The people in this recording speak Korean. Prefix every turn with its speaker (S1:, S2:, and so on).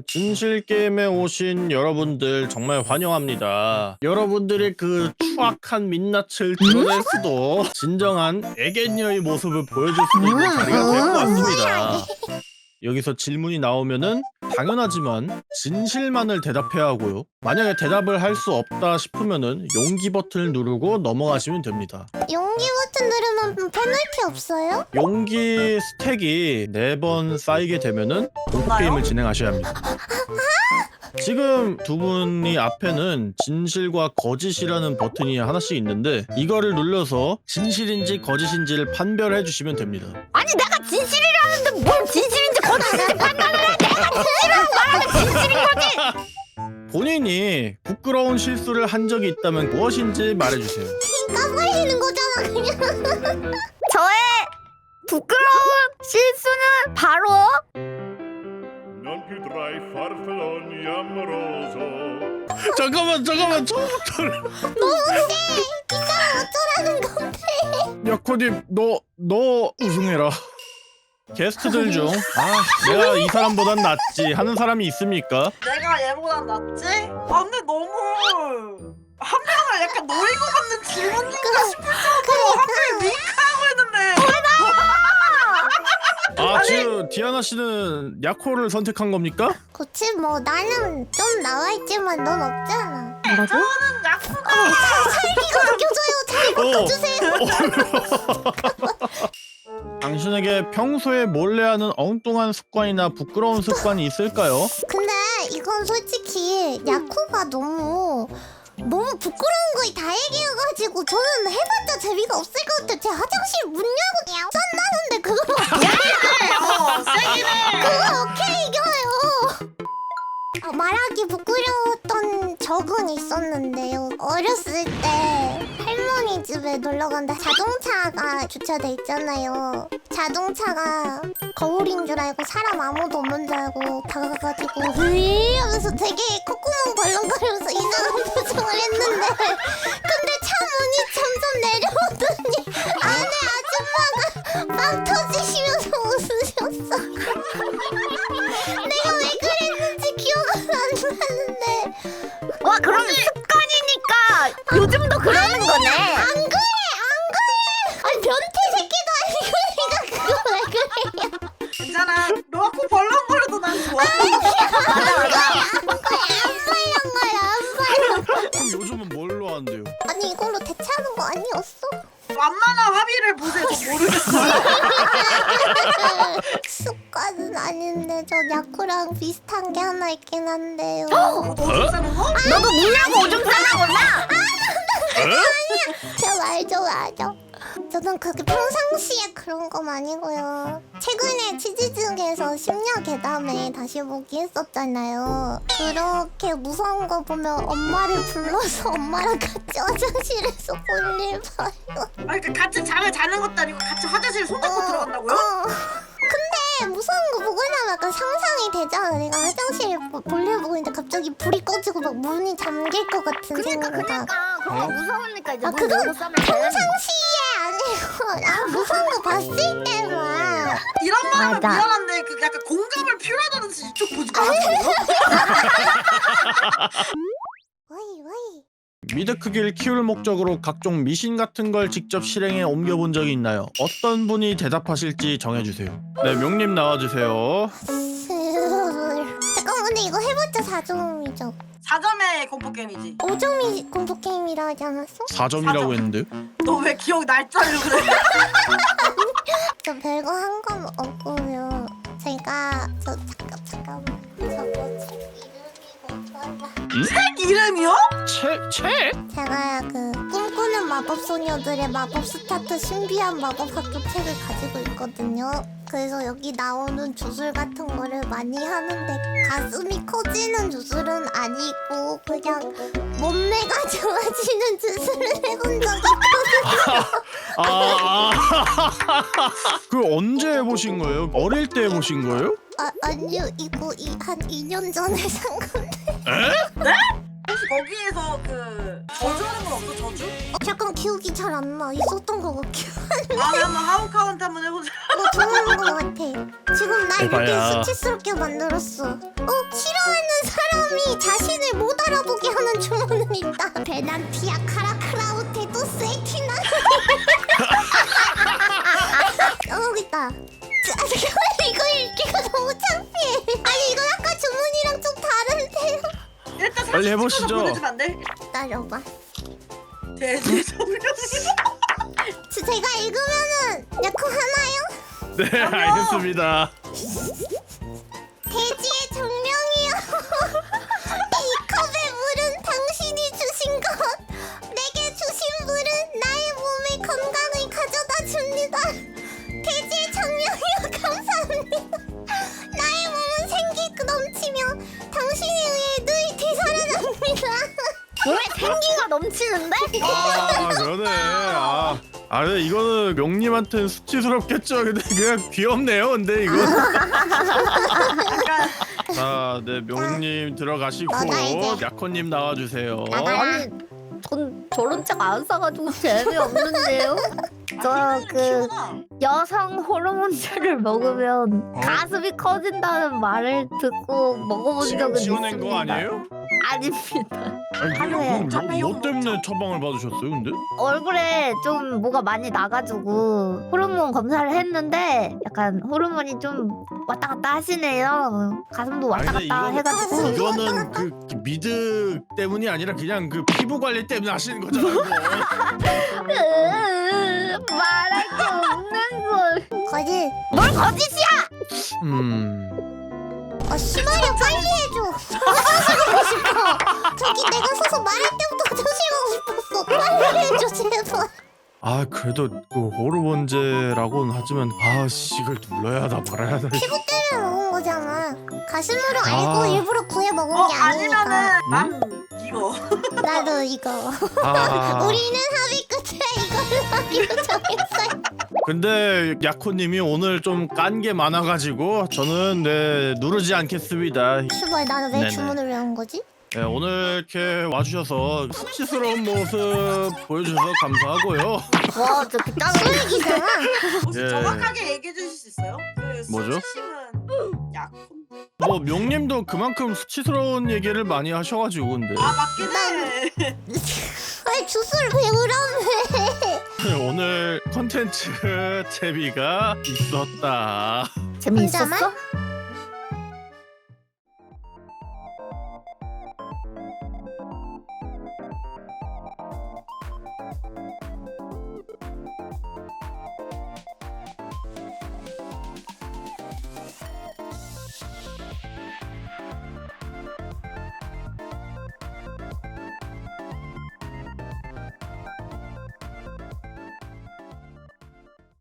S1: 진실 게임에 오신 여러분들 정말 환영합니다. 여러분들의 그 추악한 민낯을 드러낼 수도 진정한 애견녀의 모습을 보여줄 수도 있는 자리가 될 것 같습니다. 여기서 질문이 나오면은 당연하지만 진실만을 대답해야 하고요. 만약에 대답을 할 수 없다 싶으면은 용기 버튼을 누르고 넘어가시면 됩니다.
S2: 용기 버튼 누르면 페널티 없어요?
S1: 용기 스택이 4번 쌓이게 되면은 공포 게임을 진행하셔야 합니다. 지금 두 분이 앞에는 진실과 거짓이라는 버튼이 하나씩 있는데 이거를 눌러서 진실인지 거짓인지를 판별해 주시면 됩니다.
S3: 아니 내가 진실이라는데 뭘 진실인지 거짓인지 판단을 해. 내가 진실이라고 말하면 진실인 거지.
S1: 본인이 부끄러운 실수를 한 적이 있다면 무엇인지 말해주세요.
S2: 까발리는 거잖아 그냥.
S3: 저의 부끄러운 실수는 바로
S4: Non più tra i farfalloni amoroso.
S1: 잠깐만 처음부터.
S2: 너무 세. 이 사람 어쩌라는 건데.
S1: 야코님 너 우승해라. 게스트들 중 내가 이 사람보단 낫지 하는 사람이 있습니까?
S5: 내가 얘보다 낫지? 아 근데 너무 한 명을 약간 노리고 받는 질문인가 싶을 정도로 한 명이 윙크하고 있는데
S1: 지금 디아나 씨는 야코를 선택한 겁니까?
S2: 그치 뭐 나는 좀 나와있지만 넌 없잖아.
S5: 저는 약수가
S2: 살기가 느껴져요. 잘 바꿔주세요.
S1: 당신에게 평소에 몰래 하는 엉뚱한 습관이나 부끄러운 습관이 있을까요?
S2: 근데 이건 솔직히 야쿠가 너무 부끄러운 거에 다 얘기해가지고 저는 해봤자 재미가 없을 것 같아요. 제 화장실 문 열고 쩐다는데 그거 그거 오케이 이겨요. 말하기 부끄러웠던 적은 있었는데요. 어렸을 때 할머니 집에 놀러 간다. 자동차가 주차돼 있잖아요. 자동차가 거울인 줄 알고 사람 아무도 없는 줄 알고 다가가가지고 으이 하면서 되게 콧구멍 벌렁거리면서 이상한 표정을 했는데 근데 차 문이 점점 내려오더니 안에 아줌마가 빵 터지시면서 웃으셨어. 내가 왜 그랬는지 기억은 안 나는데.
S3: 와 그럼 습관이니까 요즘도 그러는 거네.
S2: 안 그래. 아니 변태 새끼도 아니고 내가 그거 왜 그래요?
S5: 괜찮아 너가 코 벌렁거려도 난 좋아
S2: 안
S1: 그럼 요즘은 뭘로 하는데요?
S2: 아니 이걸로 대체하는 거 아니었어?
S5: 만만한 합의를 보세요 저 모르겠어요
S2: 습관은 아닌데 저 야쿠랑 비슷한 게 하나 있긴 한데요.
S5: 오줌 싸는 거?
S3: 너도 미나고 오줌 싸는구나.
S2: 저 알죠. 저는 그렇게 평상시에 그런 건 아니고요. 최근에 치즈즈에서 심야 괴담에 다시 보기 했었잖아요. 그렇게 무서운 거 보면 엄마를 불러서 엄마랑 같이 화장실에서 볼일 봐요.
S5: 아니 그 같이 잠을 자는 것도 아니고 같이 화장실 손 닦고 들어간다고요?
S2: 근데 무서운 거 보고 나면 약간 상상이 되잖아. 내가 화장실에 볼일 보고 있는데 갑자기 불이 꺼지고 막 문이 잠길 것 같은 생각.
S3: 그러니까 그거 무서우니까 이제 문
S2: 그건
S3: 열고 싸면 돼.
S2: 평상시에 아니고 무서운 거 봤을 때만.
S5: 이런 말 하면
S3: 맞아.
S5: 미안한데 그 약간 공감을 표현하는 듯이 이쪽 보지 말아주세요
S2: 와이.
S1: 미드 크기를 키울 목적으로 각종 미신 같은 걸 직접 실행에 옮겨본 적이 있나요? 어떤 분이 대답하실지 정해주세요. 네, 명님 나와주세요.
S2: 잠깐만 근데 이거 해봤자 4점이죠.
S5: 4점의 공포게임이지
S2: 5점이 공포게임이라 하지 않았어?
S1: 4점이라고 했는데요?
S5: 너 왜 기억 날 줄 알고 그래
S2: 저 별거 한 건 없고요. 제가 잠깐만 저거 책 이름이 뭐더라?
S5: 책 이름이요?
S1: 책?
S2: 제가 그 꿈꾸는 마법 소녀들의 마법 스타트 신비한 마법 학교 책을 가지고 있거든요. 그래서 여기 나오는 주술 같은 거를 많이 하는데 가슴이 커지는 주술은 아니고 그냥 몸매가 좋아지는 주술을 해본 적이 있거든요.
S1: 그 언제 해보신 거예요? 어릴 때 해보신 거예요?
S2: 아니요 이거 한 2년 전에 산 건데.
S5: 혹시 거기에서 그 저주하는 건 없어? 저주?
S2: 잠깐 기억이 잘 안 나. 있었던 거 같긴
S5: 다음에 한번 하우카운트 한번 해보자.
S2: 좋은 거 같아. 지금 날 이렇게
S1: 해봐야.
S2: 수치스럽게 만들었어. 싫어하는 사람이 자신을 못 알아보게 하는 주문은 있다. 베난티아 카라크라우테도 세티나. 여기 있다. 잠깐만 이거 읽기가 너무 창피해. 아니 이거 아까 주문이랑 좀 다른데요.
S5: 일단
S1: 빨리
S5: 사진
S1: 해보시죠.
S5: 찍어서 보내주면 안 돼?
S2: 기다려봐.
S5: 대대성령.
S2: 제가 읽으면은 야쿠 하나요?
S1: 네, 알겠습니다.
S2: 돼지의 정령이여. 이 컵의 물은 당신이 주신 것. 내게 주신 물은 나의 몸에 건강을 가져다 줍니다. 돼지의 정령이여 감사합니다. 나의 몸은 생기가 넘치며 당신에 의해 늘 되살아납니다.
S3: 왜 생기가 넘치는데?
S1: 아, 그러네. 근데 이거는 명님한테는 수치스럽겠죠. 근데 그냥 귀엽네요. 근데 이거.
S5: 약간
S1: 자, 네, 명님 들어가시고
S2: 너다 이제.
S1: 야코님 나와주세요.
S3: 아니 전 저런 책 안 사가지고 재미없는데요. 저 그
S5: 키우나?
S3: 여성 호르몬제를 먹으면 가슴이 커진다는 말을 듣고 먹어본 적은
S1: 지어낸
S3: 있습니다.
S1: 거 아니에요?
S3: 아닙니다.
S1: 아니,
S3: 하루에
S1: 뭐 때문에 처방을 받으셨어요, 근데?
S3: 얼굴에 좀 뭐가 많이 나가지고 호르몬 검사를 했는데 약간 호르몬이 좀 왔다 갔다 하시네요. 가슴도 왔다
S1: 아니, 근데
S3: 갔다 해가지고.
S1: 이거는 그 미드 때문이 아니라 그냥 그 피부 관리 때문에 하시는 거잖아요. 이거.
S3: 말할 게 없는 걸.
S2: 거짓.
S3: 뭘 거짓이야?
S2: 심하려 빨리 해줘. 조심하고 싶어. 저기 내가 서서 말할 때부터 조심하고 싶었어. 빨리 해줘 제발.
S1: 아, 그래도 그 호르몬제라고는 하지만 이걸 눌러야 하나 말아야 하나.
S2: 피부 때문에 먹은 거잖아. 가슴으로 알고
S1: 아.
S2: 일부러 구해 먹은 게 아니니까.
S5: 아니면은 난 이거.
S2: 나도 이거. 우리는 합의 끝에 이걸로 하기로 정했어요.
S1: 근데 야코님이 오늘 좀 깐 게 많아가지고 저는 누르지 않겠습니다.
S2: 수발 나는 왜
S1: 네네.
S2: 주문을 왜 한 거지?
S1: 네, 오늘 이렇게 와주셔서 수치스러운 모습 보여주셔서 감사하고요.
S3: 와 저기 짱.
S2: 쓰레기잖아.
S5: 혹시
S1: 예.
S5: 정확하게 얘기해 주실 수 있어요? 그
S1: 뭐죠?
S5: 수치심은 약혼.
S1: 뭐 명님도 그만큼 수치스러운 얘기를 많이 하셔가지고 근데
S5: 맞긴 해.
S2: 왜 주스를 배우라며?
S1: 오늘 컨텐츠 재미가 있었다.
S3: 재미있었어?
S2: 혼자만?